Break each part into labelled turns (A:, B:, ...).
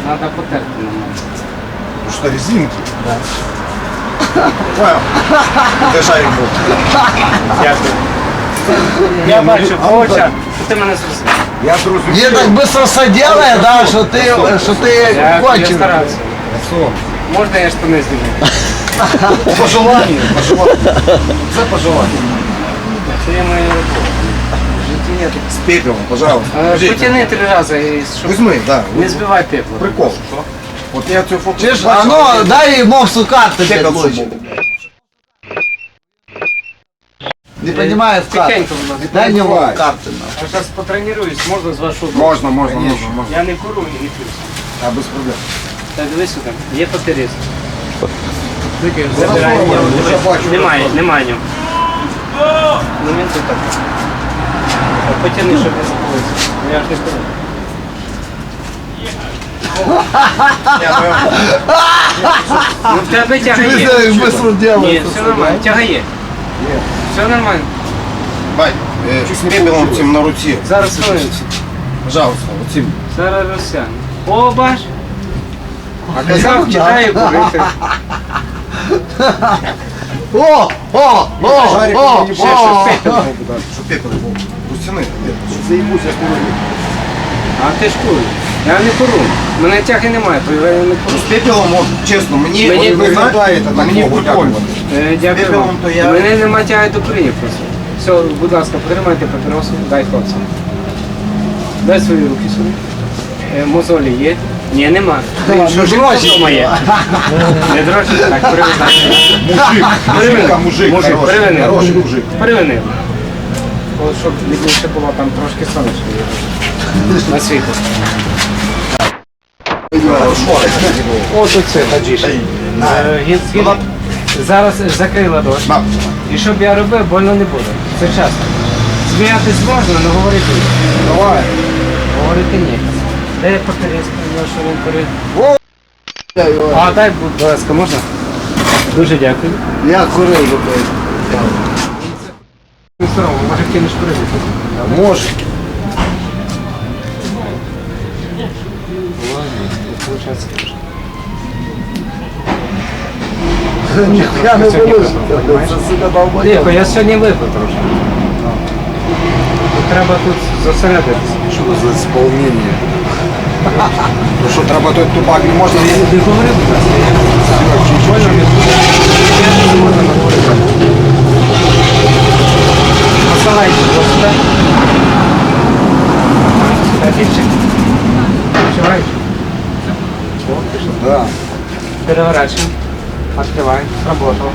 A: Надо потерти нормально.
B: Потому что резинки.
A: Да.
B: Понял? Це шарик був.
A: Дякую. Я бачу по очах, що ти мене зрозумів.
B: Я зрозумів.
C: Не так быстро все делает, да, что ты
A: Я
C: конченый.
A: старався. Можна я штани зніму?
B: По желанию. Це по желанию.
A: Це є моя робота. В житті є таке.
B: С пепелом, пожалуйста.
A: Потяни 3 рази, щоб
B: Возьми, да.
A: не збивай пепло.
B: Прикол. Вот я цю фото
C: Чеш,
B: бачив,
C: а ну дай ему в карты
B: пепел
C: 5 лучше.
B: був.
C: Не понимаю в карты.
A: Тихенько, будь ласка.
C: Дай мне в
B: Давай.
C: карты.
A: Я зараз потренуюсь, можна з вашого боку?
B: Можна.
A: Я не курю і не п'ю.
B: А без проблем.
A: Так, дивись сюди. Є папірець.
B: Забирай,
A: Забирай
B: я
A: нього.
B: вже бачу.
A: Немає нього. Ну він тут так. Потяни, щоб не забулися. Я ж не курю. Ну в тебе тяга
C: Ты
A: є.
C: знаешь, быстро
A: Ні,
C: делает.
A: все нормально. Тяга є. Все нормально.
B: Бать, з пепелом цим на руці.
A: Зараз хвилинці.
B: Пожалуйста, оцим.
A: Зараз розсяне. О, бач. А казав, кидаю курити.
C: О,
B: Шарик
C: о,
B: не
C: о,
B: ще
C: о.
B: пепел був, щоб пепел був. Рустяни, заїбусь, я курю.
A: А ти ж куриш. Я не курю. Мене тяги немає, то я не курю.
B: З пепелом, от, чесно, мені
A: Мені
B: виглядає так,
A: мені
B: Богу
A: прикольно.
B: дякувати.
A: Дякую
B: Пепелом
A: вам.
B: то я-
A: Мене немає тяги до куріння просто. Все, будь ласка, потримайте папіросу, дай хлопцям. Дай свої руки сюди. Мозолі є? Ні, нема. Що ж вдома є? Не дрожжі, так, привезли.
B: Мужик, хороший,
A: Привинив.
B: хороший мужик.
A: Привинив. От, щоб більше було там трошки сонечко. На світло. От оце, таджіш. Зараз закрий ладоші. І щоб я робив, больно не буде. Це часто. Сміятись можна, але говорити ні.
B: Давай.
A: Говорити ні. Де папірець, що він курить? А дай, будь ласка, можна? Дуже дякую.
C: Я курил.
A: Не соромно, може кинеш курити.
B: Може.
C: Нихуя не вылез. Сука, долбоёб.
A: Тихо, я сьогодні випив трошки. Тут треба тут зосередитися.
B: Що за сповнення? Ну що, треба той тупак не можна?
A: Ти говори, будь ласка, я больно не буду. Я не можу наговорити. Посилайте, ось сюди. Сюди більше. Відчуваєш? О, пішло.
B: Да.
A: Переворачиваем. Открываем. Сработало.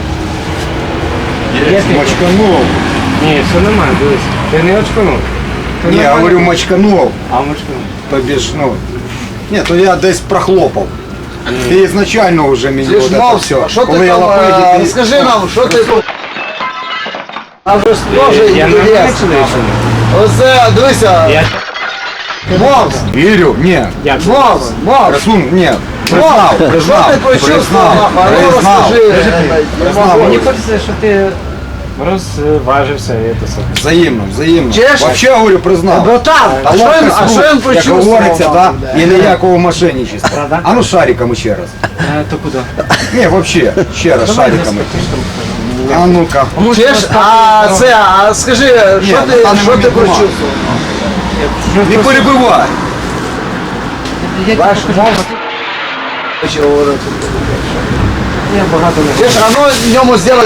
A: Є ти?
B: Мочканув.
A: Ні, все нормально, дивись. Ти не очканув. Ти
B: Ні, я
A: нормально.
B: говорю мочканув.
A: А мочканув.
B: Тобі ж, ну. Ні, то я десь прохлопав. Ти ізначально вже мені
C: Ти ж
B: от це
C: мав,
B: все.
C: що
B: Коли
C: ти
B: я
C: там,
B: лапиді,
C: скажи нам, що ти тут? А вже ж теж
A: Я нормально
C: інтересно.
A: чоловік.
C: Оце, дивися,
A: Я...
C: мовс,
B: Вірю, ні.
A: Як?
C: мовс, мовс.
B: Красун, ні. Признав,
C: Що
B: признав,
C: ти почувствував?
B: признав,
C: А ну
B: признав.
C: розкажи.
B: Признав.
A: Мені хочеться, щоб ти розважився і це все.
B: Взаємно, взаємно.
C: Чеш?
B: Вообще, говорю, признав.
C: Братан, а що він
B: Як
C: почувствував?
B: говориться, да?
C: Да.
B: І ніякого мошенничества.
A: Правда?
B: А ну шариками ще раз.
A: То куди?
B: Ні, вообще, ще раз шариками. А ну-ка.
C: Чеш, а це, а скажи, що
B: на
C: ти,
B: даний
C: що ти
B: момент нема.
C: почувствував?
B: Не перебивай.
A: Я багато не.
C: Чеш, а ну ньому зробити.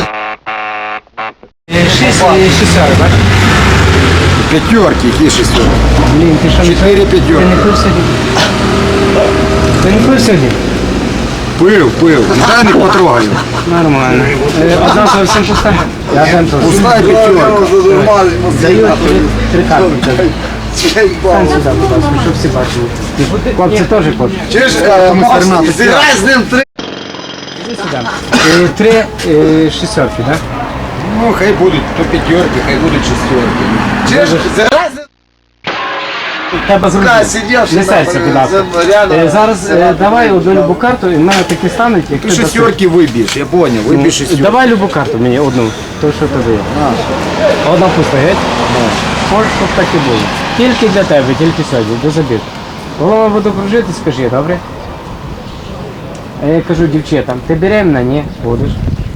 A: 6 шістьори, бачиш?
B: П'ятерки, які шестерки.
A: Блін, ти що не
B: 4
A: Ти не
B: п'ятерки.
A: пив сьогодні? Ти не пив сьогодні?
B: Пив. Дай не потрогаю.
A: Нормально. Одна зовсім пуста. Я генту.
B: Пуста п'ятерка.
A: Даю 3 карти. Стань сюди, будь ласка, щоб всі бачили. Хлопці теж хочуть.
C: Чеш,
B: Фернандо,
C: зіграй з ним три.
A: Іди сюди. 3 шістерки, так?
B: Ну, хай будуть то п'ятерки, хай будуть шестерки.
C: Чеш, зіграй з ним.
A: Треба
C: Сука,
A: зробити.
C: сидів,
A: Не серця, будь ласка. Зараз давай одну любу карту, і в мене такі стануть, як
B: Ти шестерки виб'єш, я понял, виб'єш шестерки.
A: Давай любу карту мені, одну, то що тобі є. Одна пуста, геть? Можеш, щоб так і було. Тільки для тебе, тільки сьогодні, до забіг. Голова буду кружити, скажи, добре? А я кажу дівчатам, ти беременна? Ні, будеш.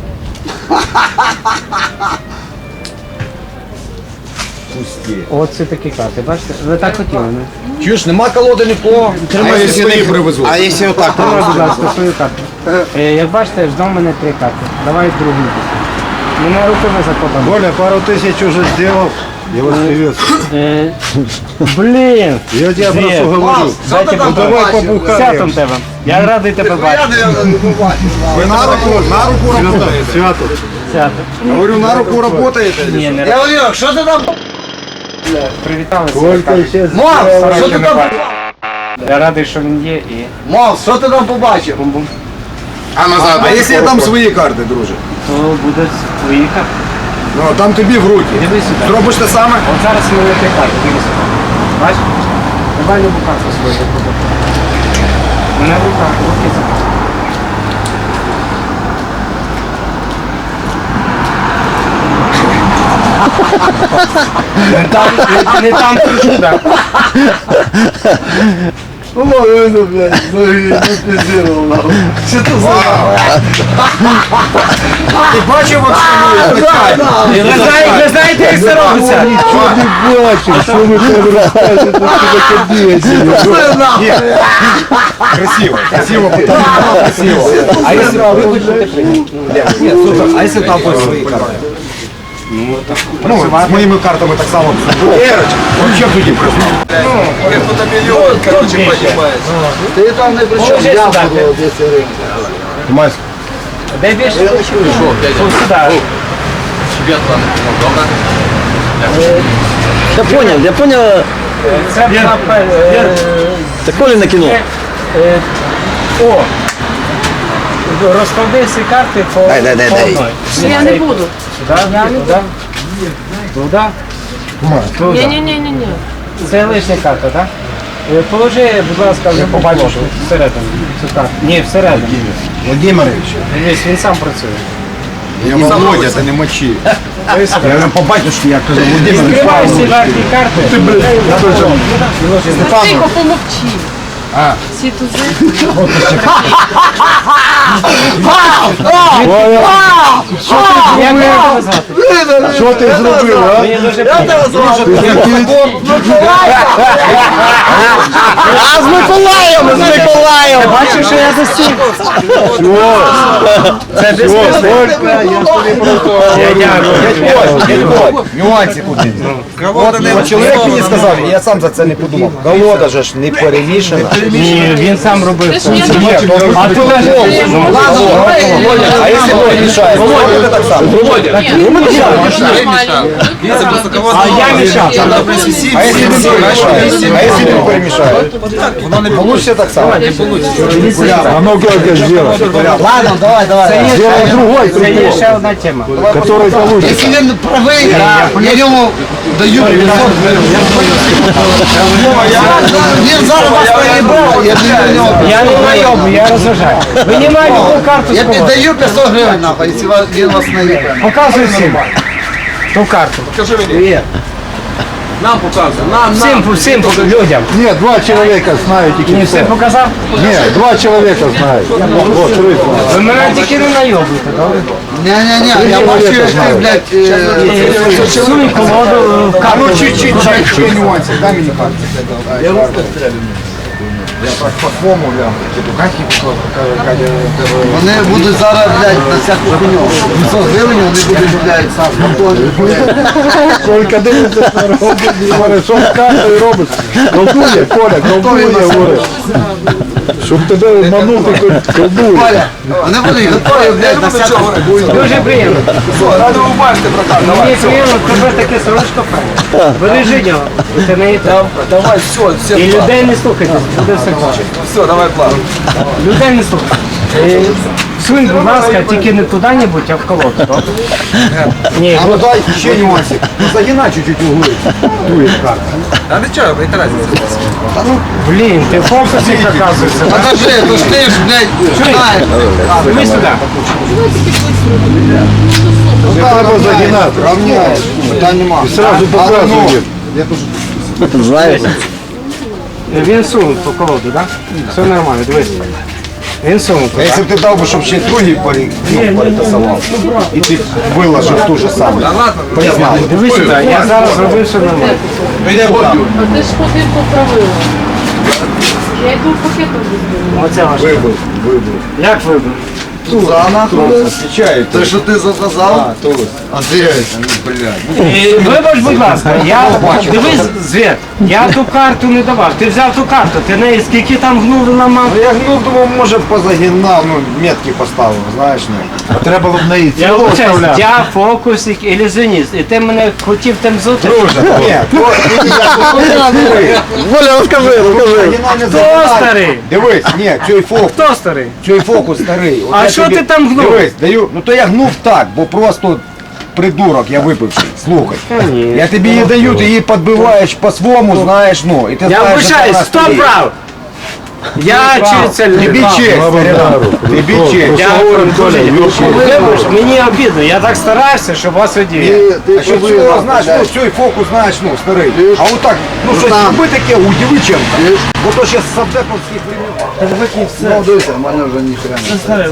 B: Пусти.
A: Оце такі карти, бачите? Ви так хотіли, не?
B: Чуєш, нема колоди ніхто. А якщо свої привезуть? А якщо отак?
A: Тримай, будь ласка, свою карту. Як бачите, ждав мене 3 карти. Давай другу. Мене руками закопали.
C: Коля, пару тысяч уже сделал. Я вас приветствую.
A: Блін!
C: Я тебе
A: Привет.
C: просто говорю.
A: Дайте
C: Ну давай побухаем.
A: Святом тебе. Я радий тебе бачити.
B: Ви на руку работаєте?
C: Свято.
A: Свято.
B: Говорю, на руку работаєте?
A: Ні, не
D: Я говорю, що ти там?
A: привіталися.
C: Только сейчас.
D: Мав, що ти там?
A: Я радий, що він є і
D: Мав, що ти там побачив?
A: бум-бум.
B: А назад? А якщо я дам свої карти, друже?
A: То буде твої карти.
B: Ну, там тобі в руки.
A: Дивись сюди.
B: Зробиш те саме?
A: От зараз ми не карти, дивись сюди. Бачиш? Давай любу карту свою покупати. Мене в руках, руки закрити. Не там, так.
C: Ну, блядь, гипнотизировал нахуй.
D: Що ти за?
B: Ти бачив, от
A: Ви знаєте, як це робиться?
C: Ничего не бачишь, что вы там рассказываете, что такое себе.
B: Красиво, красиво, потім красиво.
A: А якщо ви хочете прийняти?
B: Ні, супер. А якщо там будуть свої карти? Ну, з моїми картами так само. Ерочка, вообще тоді признав.
D: Ти там не при чому,
A: Положи
D: я
A: сюди,
D: буду десь ринку.
B: Тимась,
A: Де більше? Ось сюди.
E: Я понял,
A: Це
E: це Коліне кіно.
A: О! Розклади всі карти по одній.
F: Я не буду.
A: Туди.
F: Ні-ні-ні-ні.
A: Це лишня карта, так? Положи, будь ласка, вже побачиш всередину цю карту. Ні, всередину.
B: Владимирович,
A: Дивись, він сам працює.
B: я Володя, ти не мочи. Я вже побачив, що я кажу, Володимирович.
A: Відкривай всі верхні карти.
F: Тихо, помовчи. Всі тузи.
A: Як мене тебе звати?
C: Что ты зробив, а?
A: Мені дуже приємно.
E: А з Миколаєм, з Миколаєм!
A: Бачиш, що я достиг? Це безпечно. Я дякую.
B: Нюансик один. От чоловік мені сказав, і я сам за це не подумав. Колода же ж не перемішана.
A: Ні, він сам робив.
F: Ти ж я
A: А ти кажеш,
B: А якщо перемішає, то так само.
A: а я мішав.
B: А якщо не перемішає? А якщо не перемішає? Воно не вийде так само.
C: А ну как сделать?
D: Ладно, давай.
C: Сделай другой,
A: Це є ще одна тема.
C: который получится.
D: Якщо він правий, я йому даю 500 гривень. Він зараз вас наїбав, я даю нього.
A: Я не найобу, я розважаю. Винімай любу карту з
D: Я
A: колоди.
D: піддаю 500 гривень, нахуй, якщо він вас наїбав.
A: Показуй всім. Ту карту. Всім людям.
C: Нет, два человека знают
A: Ні,
C: тільки
A: все
C: все.
A: показав?
C: Нет, два человека знают. Вот, рыбу.
A: Ви мене тільки не найобуєте, добре?
D: Ні, я бачу, як ти, блядь,
A: Суй колоду в
B: А
A: карту.
B: ну чуть-чуть, ще нюансик, дай мені карту. Я так по-своєму гляну.
D: вони будуть зараз, блядь, на всяку хуйню. 500 гривень вони будуть, блядь,
C: Только дивиться, що робить. Говорить, що картою робиш? Колдує, Коля, колдує, говорить. Щоб тебе обманути, колдує.
D: Коля, вони будуть готові, блядь, на всяку хуйню.
A: Дуже приємно. Мені приємно, тебе таке сорочко певне. Бережи його. Це не там.
D: Давай, все,
A: І людей не слухайте, буде все добре.
D: все, давай план.
A: Людей не слухайте. Сунь, будь ласка, тільки не туди-небудь, а в колоду, добре? Ні,
B: А ну дай ще нюансик. Ну загинай чуть-чуть углы. Дует карта.
A: блін, ти в фокусі оказуєшся. так?
D: Покажи, то ж ти ж, блядь, знаєш.
A: Іди сюди.
C: Не треба загинати.
B: Равняешь. Питань нема.
C: Сразу показує.
B: Я тоже.
E: Знаєш?
A: Він сунув по колоду, так? Все нормально, дивись. Він сунув.
B: А якщо б ти дав, щоб ще другий перетасував, і ти виложив ту ж саму, признав.
A: Дивись сюди, я зараз зробив все нормально.
F: А ти ж ходив по правилам. Я йду пакетом візьму.
A: Оце ваше.
B: Вибив.
A: Як вибив?
D: Туза нахуй.
B: Встречаю.
D: Те, що ти заказав? Андрій, блядь.
A: Вибач, будь ласка, дивись, Звір, я ту карту не давав. Ти взяв ту карту, ти неї скільки там гнув ламав?
B: Ну я гнув, думав, може позагинав, ну метки поставив, знаєш, не.
C: Треба було б неї
A: Я
C: цілу
A: вибачаюсь,
C: вставляти.
A: я фокусник, ілюзіоніст, і ти мене хотів тим зути?
B: Друже, ні,
E: Воля, розкажи.
A: Хто старий?
B: Дивись, ні,
A: Хто старий?
B: цей фокус старий. От
A: А
B: я
A: що
B: тобі-
A: ти там гнув?
B: Дивись, даю, ну то я гнув так, бо просто придурок, я випивший, слухай.
A: Конечно.
B: Я тобі її даю, ти її підбиваєш по-своєму, знаєш, ну, і ти
A: Я
B: знаєш, що
A: вибачаюсь,
B: вона
A: хто
B: стоїть.
A: прав? Я чи це
B: Тобі честь, старина, тобі честь.
A: Я говорю, вибач, мені обідно, я так старався, щоб вас одіяти.
B: А що цього, знаєш, ну, цей фокус, знаєш, ну, старий. А отак, ну, щось роби таке, удиви чим-то. Бо то ще з савдеповських времен.
D: Ну, дивися, в мене вже ніхрена.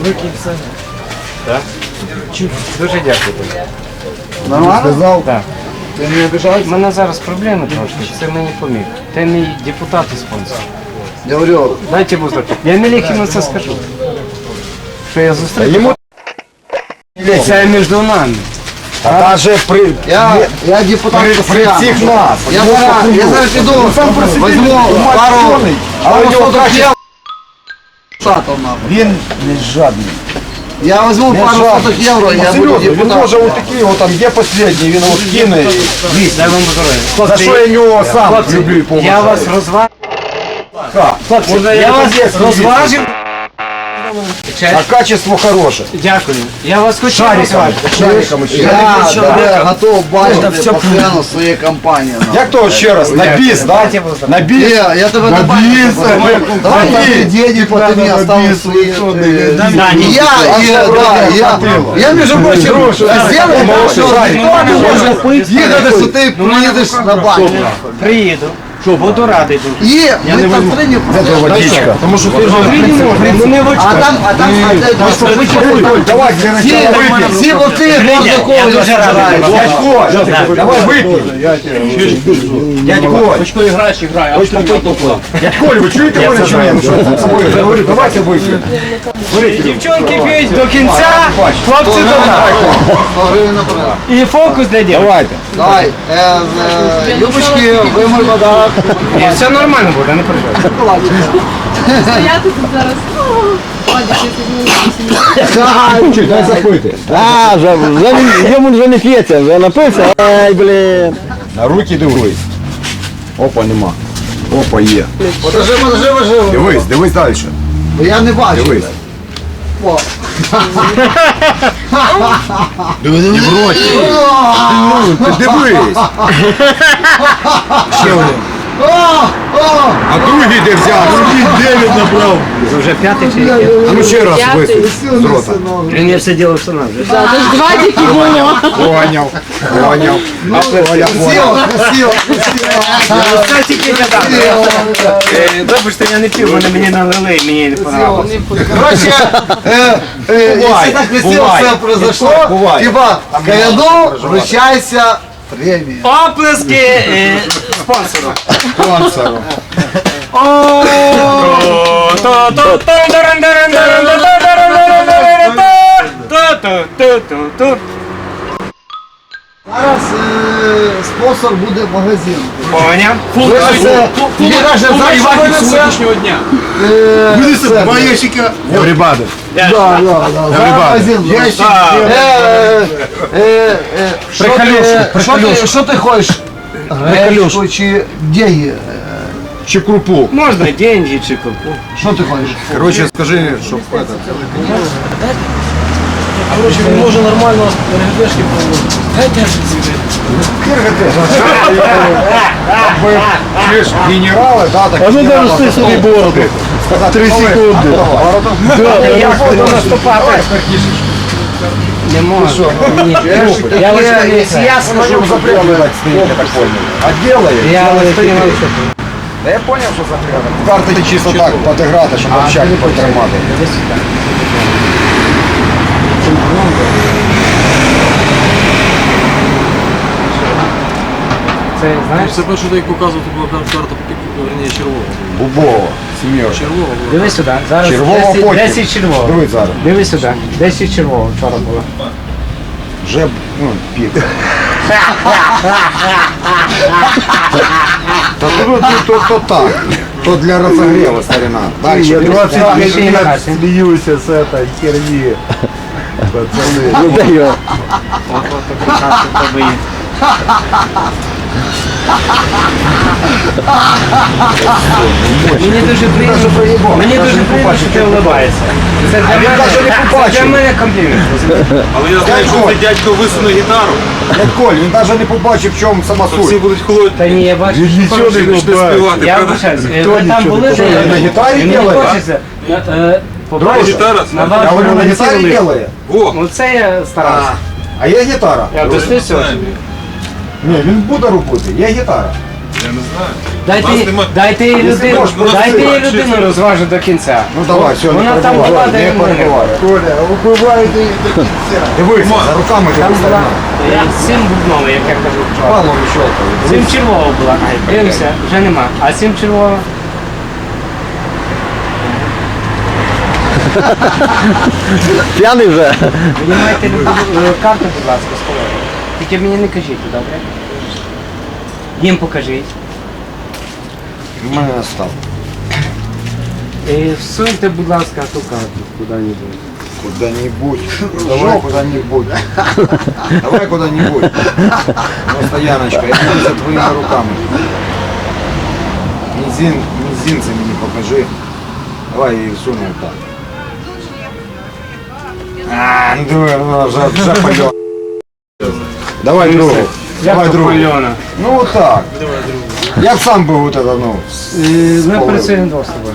A: Дуже дякую тобі.
D: Нормально? Сказав?
A: Так.
D: Ти не обіжаєшся?
A: У мене зараз проблеми трошки, це мені поміг. Ти мій депутат і спонсор.
D: Я говорю,
A: Дайте бузок. Я Мелехіну це скажу. Що я зустрів.
B: Йому
A: Це між нами.
B: а даже при...
D: я депутат
B: При
D: постоянно.
B: всіх нас.
D: Я зараз піду, возьму пару
B: але у нього
D: соток
B: краще.
D: євро. Сатом, нахуй.
B: Він не жадний.
D: Я возьму
B: Не
D: пару
B: жадний.
D: соток євро, я буду
B: Серйозно, він
D: депутатом.
B: може отакий, от там є останній, він от кине.
A: Дай вам здоров'я.
B: За що я нього сам люблю і поважаю.
A: Я вас розважив.
B: Хлопці,
A: Я вас розважив.
B: А качество хороше.
A: Дякую. Я вас хочу
B: Шариком.
A: розважити.
B: Шариком ще.
D: Я готов бачити постійно своєї компанії. нахуй.
B: Як то ще раз? На біс, да? На біс.
D: Я тебе не бачу. Давай там деньги, ты мне оставил свои.
A: Да,
D: И я, между прочим, сделаю, что никто не может ехать, что ты приедешь на баню.
A: Приїду. Буду радий дуже.
D: И мы там приняли.
B: Водичка. Тому що ти
A: Ну не в
D: А там,
B: Давай, для начала вип'ємо.
D: все вот ты
A: Я дуже радий.
B: Дядь Коль, давай вип'ємо. Дядь Коль. Дядь Коль, ви чуєте мене чи ні? Ну що це собою? Я говорю, давайте вип'ємо.
A: Дівчонки п'ють до кінця, хлопці до нас. І фокус для дівчат.
B: Давайте.
D: Давай, Любочки, вы мой подарок.
A: І все нормально буде, не переживай.
F: Стояти тут зараз. Вадик, я підніму.
B: Чуть, дай запити.
E: А, йому вже не п'ється, вже напився. Ай, блін.
B: На руки дивись. Опа, нема. Опа, є.
D: Подожди.
B: Дивись далі.
D: Я не бачу.
B: Дивись. Не в роті. Ти дивись. Ще один. А другий де взяв? Другий 9 набрав.
A: Це вже п'ятий чи який?
B: А ну ще раз
F: П'ятий.
B: висунь з рота.
A: Він я все ділив сам вже.
F: Це ж два тільки було.
B: Поняв.
D: Красиво.
A: Це тільки гадав. Вибачте, я не пів, мені налили і мені не понравилось.
D: Короче, если так красиво
B: бувай.
D: все произошло,
B: Бувай.
D: типа, Каяну, вручайся премии.
A: Оплески спонсору.
B: Спонсору.
D: Зараз спонсор буде магазин.
A: Поняв?
D: Тобі каже, за сьогоднішнього дня.
B: Два ящика. Everybody.
D: Да. Магазин. Що ти хочеш? Гречку чи деньги?
B: Чи крупу.
A: Можна деньги чи купу.
D: Що ти хочеш?
B: Короче, скажи, щоб это.
E: Може нормально РГБшки
B: Ви ж генерали, да, так?
E: А ну
B: генерали
E: даже ти собі бороду.
B: сказати,
E: 3 секунди.
A: Як буду наступати? Не можу. Я лише, якщо я скажу,
B: Можем запрятать стоит, я так понял. А делает?
A: я лише
B: Та я зрозумів, що закрили. Карти чисто так подіграти, щоб общаки потримати.
A: Десь сюди. Це, знаєш,
G: Це перше, як показував, то була карта, верніше, червова.
B: Бубово, сім'єш.
G: Червова була.
A: дивись сюди. Зараз
B: Червоного
A: 10,
B: потім.
A: 10 червоного.
B: Дивись зараз.
A: Дивись сюди. 10 червоного вчора було.
B: Вже, ну, пік. Та то так. То для розогріву, старина. Далі.
C: Я
B: дивись.
C: 25
A: ще не
C: лет
A: хасі.
C: смеюсь с этой херни. Пацаны.
E: Ну даю.
A: От такі карти в тебе є. Мені дуже приємно, мені дуже приємно, що ти улыбаєшся. Це для мене,
B: навіть не
A: це
B: побачив.
A: для мене комплімент.
G: Але я знаю, що цей дядько висунув гітару,
B: Дядь Коль, він навіть не побачив, в чому сама
G: то всі
B: суть.
G: будуть холодні.
A: Та ні, я бачу, що
C: Нічого
A: хороший.
C: не
G: Почне
C: побачив.
G: співати,
A: Я
G: правда?
A: вибачаюсь,
C: Ніхто
A: ви там
C: нічого
A: були,
C: не
A: де
C: побачив.
B: На гітарі
A: мені
B: ділає?
A: хочеться.
B: Друже,
G: Гітара?
A: На
B: Я
A: вашому
B: говорю, на гітарі
A: лиці.
B: ділає?
G: О,
A: Ну це я старався.
B: А є гітара?
A: Я достиг.
B: Ні, він буде робити, є гітара.
G: я не знаю. Нас нема.
A: Дайте їй людину,
B: можеш, можеш
A: дайте їй
B: співати.
A: людину розважу до кінця.
B: Ну давай, все,
A: Вона
B: не
A: там
B: перебивай,
A: була,
B: не
A: де мене.
B: перебивай.
C: Коля, убивайте их до конца.
B: Дивись, за руками
A: Там
B: дивись.
A: була 7 бубнових, як я кажу вчора.
B: Павло щелкає.
A: 7 червова була. Дивимося, вже нема. А 7 червова.
E: П'яний вже.
A: Ви маєте любу карту, будь ласка, з колоди. Тільки мені не кажіть, добре? Їм покажіть.
B: У мене став.
A: І всуньте, будь ласка, ту карту куди-небудь.
B: Куда-нибудь. Давай куда-нибудь. Давай куда-нибудь. Просто, Яночка, я буду за твоими руками. Мизинцы мне покажи. Давай я її всуну так. А, ну давай, ну, вже пойдет. Давай другу. Давай
A: Як то
B: другу.
A: пальона?
B: Ну вот так. Я б сам би вот это, ну.
A: Ми працюємо двох з тобою.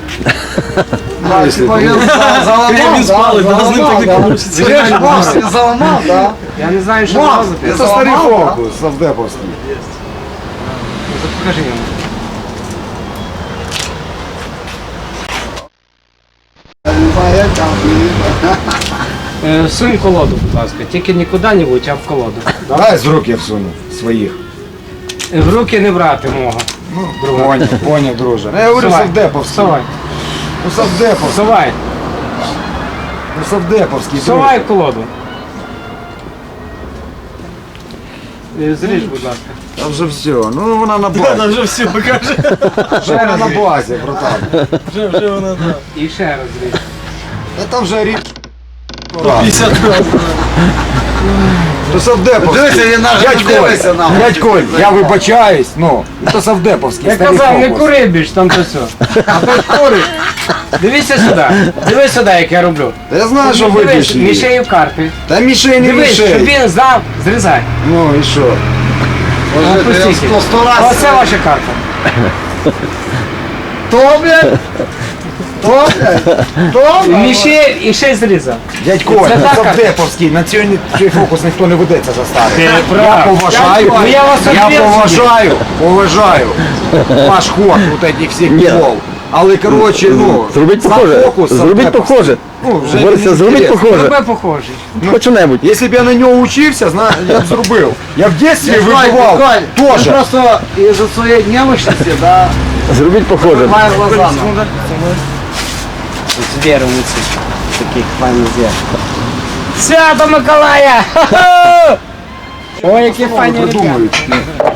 G: Він спалить, да, з ним так не вийде.
D: Заламав, да?
A: Я не знаю, що
D: Мам,
A: робити.
B: Это старый фокус, совдеповский.
A: Покажи йому. Сунь колоду, будь ласка. Тільки не куди-небудь, а в колоду.
B: Давай з рук я всуну своїх.
A: В руки не брати мого.
B: Понял, друже. Я говорю
A: Всувай.
B: совдеповский.
A: Всувай.
B: Ну совдеповский.
A: Всувай.
B: Ну совдеповский.
A: Всувай в колоду. Зріж, будь ласка.
B: Там вже все. Ну вона на базі.
G: Вона вже все покаже.
B: Вже вона на базі, братан.
G: Вже вона так.
A: І ще раз зріж.
B: Та там вже рік.
G: 50 разів.
B: То совдеповський.
D: Дивися, він навіть
B: Дядь
D: не
B: Коль,
D: дивиться нам.
B: дядь Коль, я вибачаюсь, ну, то совдеповський.
A: Я
B: старий
A: казав, не
B: фокус.
A: кури більш там то все. А то кури. Дивися сюди. Дивись сюди, як я роблю.
B: Та я знаю, що ви
A: Дивись,
B: пішли.
A: мішею карти.
B: Та мішей не
A: Дивись, щоб
B: мішей.
A: він знав, зрізай.
B: Ну і що?
A: Опустіть.
D: Сто раз.
A: Оце ваша карта.
D: То, блядь? То, блядь? То,
A: Мішей і ще зрізав.
B: Дядь Коль,
A: Це так,
B: совдеповський, на цей фокус ніхто не ведеться за старий.
A: Ти
B: Я
A: прав.
B: поважаю,
A: Ну, я вас
B: поважаю ваш ход вот этих всіх
E: Ні.
B: кол. Але, коротше, ну,
E: Зробіть
B: сам
E: похоже.
B: фокус
E: Зробіть
B: совдеповський.
E: похоже.
B: Ну, вже
E: Борися,
B: мені
E: зробіть
B: інтересно.
E: похоже.
A: Тебе похожий.
E: Хоч що-небудь.
B: Якщо б я на нього учився, я б зробив. Я в дитинстві вибивав теж.
D: Просто из-за своей немощности, да,
E: Зробіть похоже.
D: моя глаза.
A: Звіру лиці. Таких файних звір. Свято Миколая! Ха-ха! Ой, які файні ребята.
B: Придумують.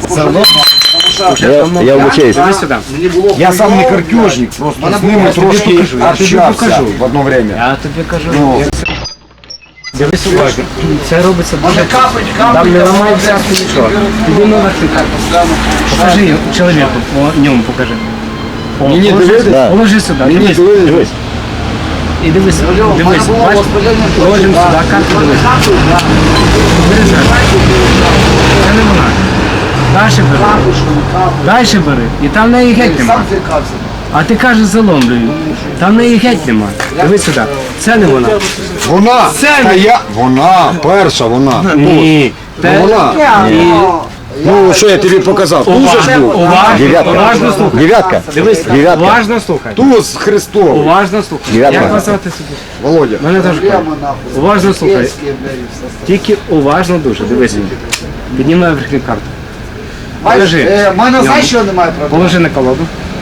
E: Я вибачаюсь.
A: Іди сюди.
B: Я сам не картежник, просто з ними трошки общався в одно время.
A: Я тобі кажу.
B: Ну,
A: Дивись уважно. Це робиться дуже там не ламається нічого. Тобі номер ти покажи чоловіку, по ньому покажи.
B: Ні,
E: Да.
A: Положи сюди, дивись.
E: Дивись.
A: І дивись, дивись, бачиш? Положимо сюди, карту дивись. Вирізай. Це не вона. Дальше бери. Дальше бери. І там в неї геть нема. А ти кажеш заломлюю. Там в неї геть нема. Дивись сюди. Це не вона.
B: вона,
A: Це
B: та
A: не-
B: я, вона, перша вона.
A: Ні.
B: Ну, вона.
A: Ні.
B: Ну, що я тобі показав? Туз же ж був.
E: Дев'ятка.
A: Уважно слухай.
E: Дев'ятка.
A: Дивись,
E: Дев'ятка.
A: уважно слухай.
B: Туз Христовий.
A: Уважно слухай.
E: Дев'ятка.
A: Як вас звати собі?
B: Володя.
A: Мене теж
D: Прямо
A: кажуть.
D: нахуй.
A: Уважно слухай.
D: Київські, блядь, все.
A: Тільки уважно дуже. Дивись. Піднімай верхню карту.
D: Бачиш,
A: Положи.
D: в мене знаєш, що немає проблем?
A: Положи на колоду.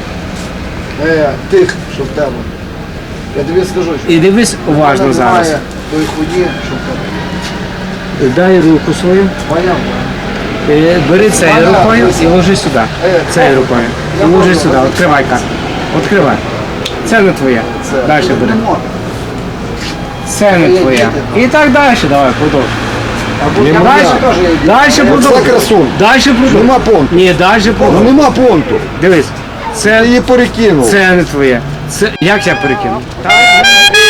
D: Тих, що в тебе. Я тобі скажу, що
A: І дивись
D: в мене
A: уважно зараз.
D: немає тої хуйні, що в тебе.
A: Дай руку свою.
D: Поняв?
A: Бери цією
D: Понятно.
A: рукою і ложи сюди. Цією рукою. І
D: Я
A: ложи
D: можу.
A: сюди. Відкривай карту. Відкривай. Це не твоє. Далі бери.
D: Не можна.
A: Це не твоє. І так далі. Давай, продовжуй.
D: Я
A: Дальше.
D: теж є.
A: Далі
B: Це
A: продовжуй.
B: красун.
A: Далі продовжуй.
B: Нема понту.
A: Ні, далі
B: Ну
A: продовжуй.
B: нема понту.
A: Дивись.
B: Ти
A: Це,
B: її перекинув.
A: це не твоє. Це, як я перекину? Так.